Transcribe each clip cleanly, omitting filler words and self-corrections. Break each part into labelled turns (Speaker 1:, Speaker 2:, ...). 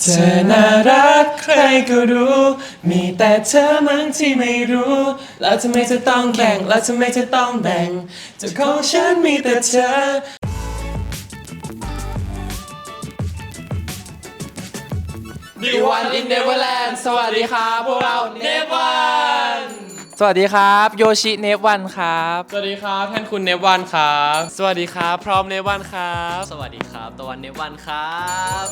Speaker 1: เธอน่ารักใครก็รู้มีแต่เธอมั้งที่ไม่รู้แล้วทำไมเธอต้องแข่งแล้วทำไมเธอต้องแบ่งเจ้าของฉันมีแต่เธอNew One in Neverland สวัสดีครับพวกเรา Neverone
Speaker 2: สวัสดีครับโยชิเนฟวันครับ
Speaker 1: สวัสดีครับแทนคุณ Neverone ครับสวัสดีครับพร้อม Neverone ครับ
Speaker 3: สวัสดีครับตะวันเนวันครับ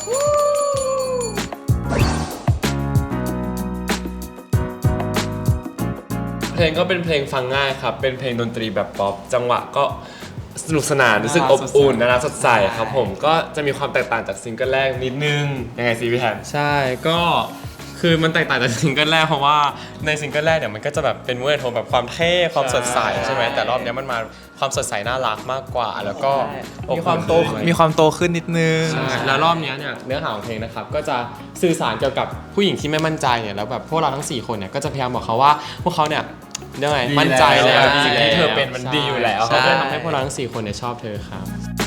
Speaker 1: เพลงก็เป็นเพลงฟังง่ายครับเป็นเพลงดนตรีแบบป๊อปจังหวะก็สนุกสนานรู้สึกอบอุ่นน่ารักสดใสครับผมก็จะมีความแตกต่างจากซิงเกิลแรกนิดนึงยังไงซีพี่แทนใช่ก็คือมันแตกต่างจากซิงเกิลแรกเพราะว่าในซิงเกิลแรกเนี่ยมันก็จะแบบเป็นมูดโทนแบบความเท่ความสดใสใช่ไหมแต่รอบนี้มันมาความสดใสน่ารักมากกว่าแล้วก็
Speaker 2: มีความโตขึ้นนิดนึง
Speaker 1: ใช่แล้วรอบนี้เนี่ยเนื้อหาของเพลงนะครับก็จะสื่อสารเกี่ยวกับผู้หญิงที่ไม่มั่นใจเนี่ยแล้วแบบพวกเราทั้ง4คนเนี่ยก็จะพยายามบอกเขาว่าพวกเขาเนี่ยยังไงมั่นใจแล้วสิ่งที่เธอเป็นมันดีอยู่แล้วเขาจะทำให้พวกเราทั้ง4คนเนี่ยชอบเธอครับ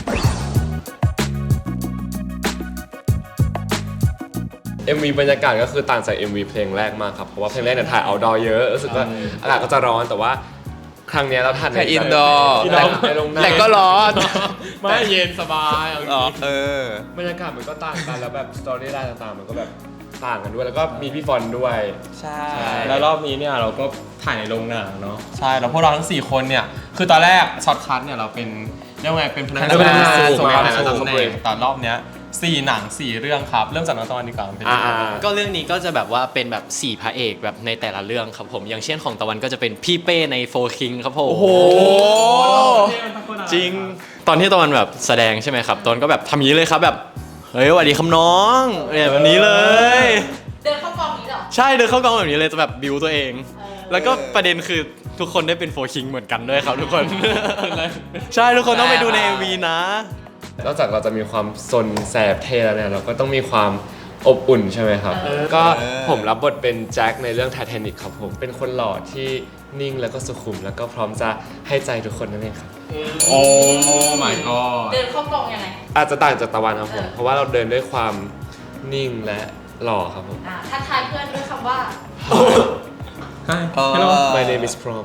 Speaker 1: MV บรรยากาศก็คือต่างจาก MV เพลงแรกมากครับเพราะว่าเพลงแรกเนี่ยถ่ายเอาท์ดอร์เยอะรู้สึกว่าอากาศก็จะร้อนแต่ว่าครั้งนี้เราถ่ายใน
Speaker 2: อินดอร์แต่ก็ร้อน
Speaker 1: ไม่เย็นสบาย
Speaker 2: บ
Speaker 1: รรยากาศมันก็ต่างกันแล้วแบบสตอรี่ไลน์ต่างๆมันก็แบบต่างกันด้วยแล้วก็มีพี่ฟอนด้วย
Speaker 2: ใช่
Speaker 1: แล้วรอบนี้เนี่ยเราก็ถ่ายในโรงหนังเนาะใช่แล้วพวกเราทั้ง4คนเนี่ยคือตอนแรกช็อตคัทเนี่ยเราเป็นเรียกว่าไงเป็นพนักงานส่งงานในตำแหน่งตอนรอบเนี้ย4 หนัง 4 เรื่องครับเริ่มจากน้องตะวันดีกว่าเป็น
Speaker 3: ก็เรื่องนี้ก็จะแบบว่าเป็นแบบ4พระเอกแบบในแต่ละเรื่องครับผมอย่างเช่นของตะวันก็จะเป็นพี่เป้ในโฟร์คิงครับผมโอ้โหจริงตอนที่ตะวันแบบแสดงใช่ไหมครับตอนก็แบบทำอย่างนี้เลยครับแบบเฮ้ยสวัสดีครับน้องแบบนี้เลย
Speaker 4: เดินเข้ากองนี้เหรอ
Speaker 3: ใช่เดินเข้ากองแบบนี้เลยจะแบบบิวตัวเองแล้วก็ประเด็นคือทุกคนได้เป็นโฟร์คิงเหมือนกันด้วยครับทุกคนใช่ทุกคนต้องไปดูใน MV นะ
Speaker 1: นอกจากเราจะมีความซนแสบเท่แล้วเนี่ยเราก็ต้องมีความอบอุ่นใช่ไหมครับก็ผมรับบทเป็นแจ็คในเรื่องไททานิคครับผมเป็นคนหล่อที่นิ่งแล้วก็สุขุมแล้วก็พร้อมจะให้ใจทุกคนนั่นเองครับโอ้ my god
Speaker 4: เดินเข้ากองยังไง
Speaker 1: อาจจะต่างจากตะวันครับผมเพราะว่าเราเดินด้วยความนิ่งและหล่อครับผม
Speaker 4: ทักทายเพื่อนด้วยคำว่า
Speaker 1: Hi Hello My name is Prom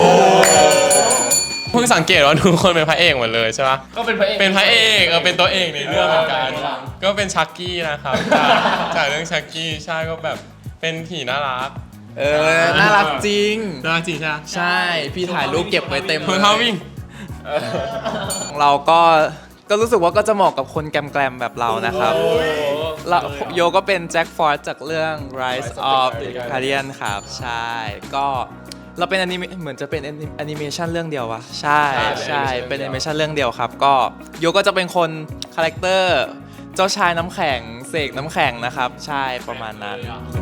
Speaker 1: เพิ่งสังเกตว่าทุกคนเป็นพระเอกหมดเลยใช่ปะก็เป็นพระเอกเป็นตัวเอกในเรื่องเหมือนกันก็เป็นชักกี้นะครับจากเรื่องชักกี้ใช่ก็แบบเป็นผีน่ารัก
Speaker 2: น่ารักจริง
Speaker 1: น่ารักจริงใช่ไหม
Speaker 2: ใช่พี่ถ่ายรูปเก็บไว้เต็ม
Speaker 1: เลยเท้าวิ่ง
Speaker 2: เราก็รู้สึกว่าก็จะเหมาะกับคนแกรมๆแบบเรานะครับโยก็เป็นแจ็คฟอร์ดจากเรื่อง Rise of the Guardian ครับใช่ก็เราเป็นเหมือนจะเป็นแอนิเมชันเรื่องเดียววะใช่เป็นแอนิเมชันเรื่องเดียวครับก็โยก็จะเป็นคนคาแรคเตอร์เจ้าชายน้ำแข็งเสกน้ำแข็งนะครับใช่ประมาณนั้น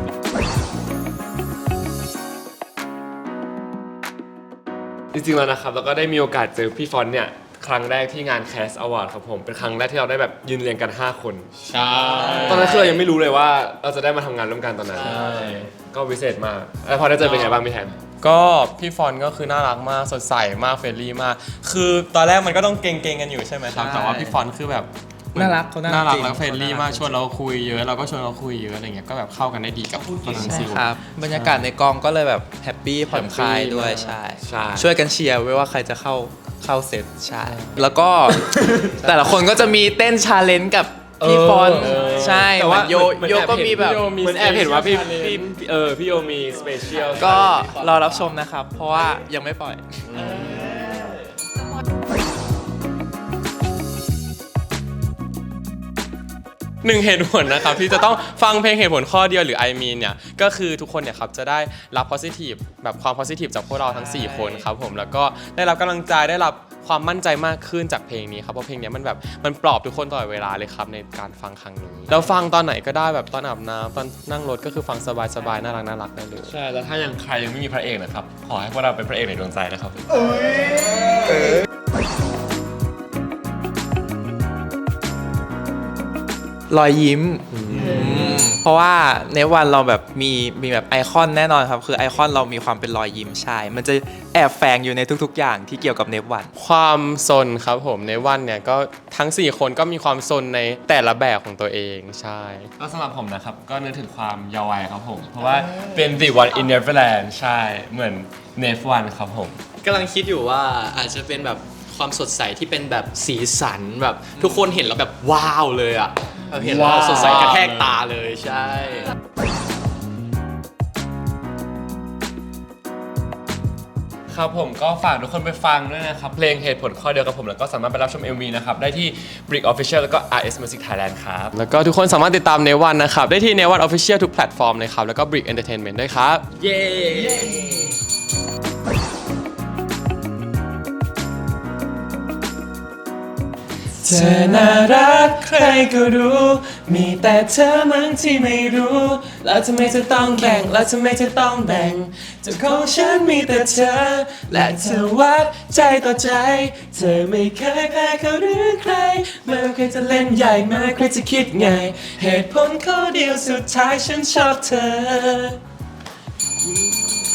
Speaker 1: จริงๆแล้วนะครับแล้วก็ได้มีโอกาสเจอพี่ฟอนเนี่ยครั้งแรกที่งาน Cast Award ครับผมเป็นครั้งแรกที่เราได้แบบยืนเรียงกัน5 คนใช่ตอนนั้นคือเรายังไม่รู้เลยว่าเราจะได้มาทำงานร่วมกันตอนนั้นใช่ก็พิเศษมากแล้วพอได้เจอเป็นไงบ้างพี่แทนก็พี่ฟอนก็คือน่ารักมากสดใสมากเฟรนลี่มากคือตอนแรกมันก็ต้องเก่งๆกันอยู่ใช่ไหมครับแต่ว่าพี่ฟอนคือแบบ
Speaker 2: น่ารักเขาน่ารัก
Speaker 1: แล้วเฟรนลี่มากชวนเราคุยเยอะเราก็ชวนเขาคุยเยอะอะไรเงี้ยก็แบบเข้ากันได้ดีกับตอนนั้นซิล
Speaker 2: ครับบรรยากาศในกองก็เลยแบบแฮปปี้ผ่อนคลายด้วยใช่ช่วยกันเชียร์ไว้ว่าใครจะเข้าเซตใช่แล้วก็แต่ละคนก็จะมีเต้นชาเลนจ์กับพี่ฟอนใช่แต่ว่าโยก็มีแบบ
Speaker 1: เหมือนแอบเห็นว่าพี่โยมีสเปเชียล
Speaker 2: ก็รอรับชมนะครับเพราะว่ายังไม่ปล่อย
Speaker 1: หนึ่งเหตุผลนะครับที่จะต้องฟังเพลงเหตุผลข้อเดียวหรือ I mean เนี่ยก็คือทุกคนเนี่ยครับจะได้รับ positive แบบความ positive จากพวกเราทั้ง4 คนครับผมแล้วก็ได้รับกำลังใจได้รับความมั่นใจมากขึ้นจากเพลงนี้ครับเพราะเพลงนี้มันปลอบทุกคนตลอดเวลาเลยครับในการฟังครั้งนี้แล้วฟังตอนไหนก็ได้แบบตอนอาบน้ำตอนนั่งรถก็คือฟังสบายๆน่ารักได้เลยใช่แล้วถ้ายังใครยังไม่มีพระเอกนะครับขอให้พวกเราเป็นพระเอกในดวงใจนะครับ
Speaker 2: รอยยิ้มเพราะว่าในวันเราแบบมีแบบไอคอนแน่นอนครับ คือไอคอนเรามีความเป็นรอยยิ้มใช่ มันจะแอบแฝงอยู่ในทุกๆ อย่างที่เกี่ยวกับเนฟวัน
Speaker 1: ความซนครับผมในวันเนี่ยก็ทั้ง 4 คนก็มีความซนในแต่ละแบบของตัวเองใช่
Speaker 5: ก็สำหรับผมนะครับ ก็นึกถึงความเยาว์วัยครับผม เพราะว่าเป็น The One in Neverland ใช่เหมือน Nef One ครับผม
Speaker 3: กำลังคิดอยู่ว่าอาจจะเป็นแบบความสดใสที่เป็นแบบสีสันแบบทุกคนเห็นแล้วแบบว้าวเลยอ่ะแบบเห็นแล้ว
Speaker 5: ว้าว
Speaker 3: สดใสกระแทกตาเลยใช่
Speaker 5: ครับผมก็ฝากทุกคนไปฟังด้วยนะครับ เพลงเหตุผลข้อเดียวกับผม แล้วก็สามารถไปรับชม MV นะครับ ได้ที่ Brick Official แล้วก็ RS Music Thailand ครับ
Speaker 1: แล้วก็ทุกคนสามารถติดตามเนวันนะครับได้ที่เนวัน Official ทุกแพลตฟอร์มเลยครับแล้วก็ Brick Entertainment ด้วยครับ
Speaker 3: เย้
Speaker 1: เธอน่ารักใครก็รู้ มีแต่เธอมั้งที่ไม่รู้ แล้วทำไมเธอต้องแบ่ง แล้วทำไมเธอต้องแบ่งเจ้าของฉันมีแต่เธอ และเธอวัดใจต่อใจ เธอไม่เคยแพ้เขาหรือใครไม่ว่าใครจะเล่นใหญ่ไม่ว่าใครจะคิดไง เหตุผลข้อเดียวสุดท้ายฉันชอบเธอ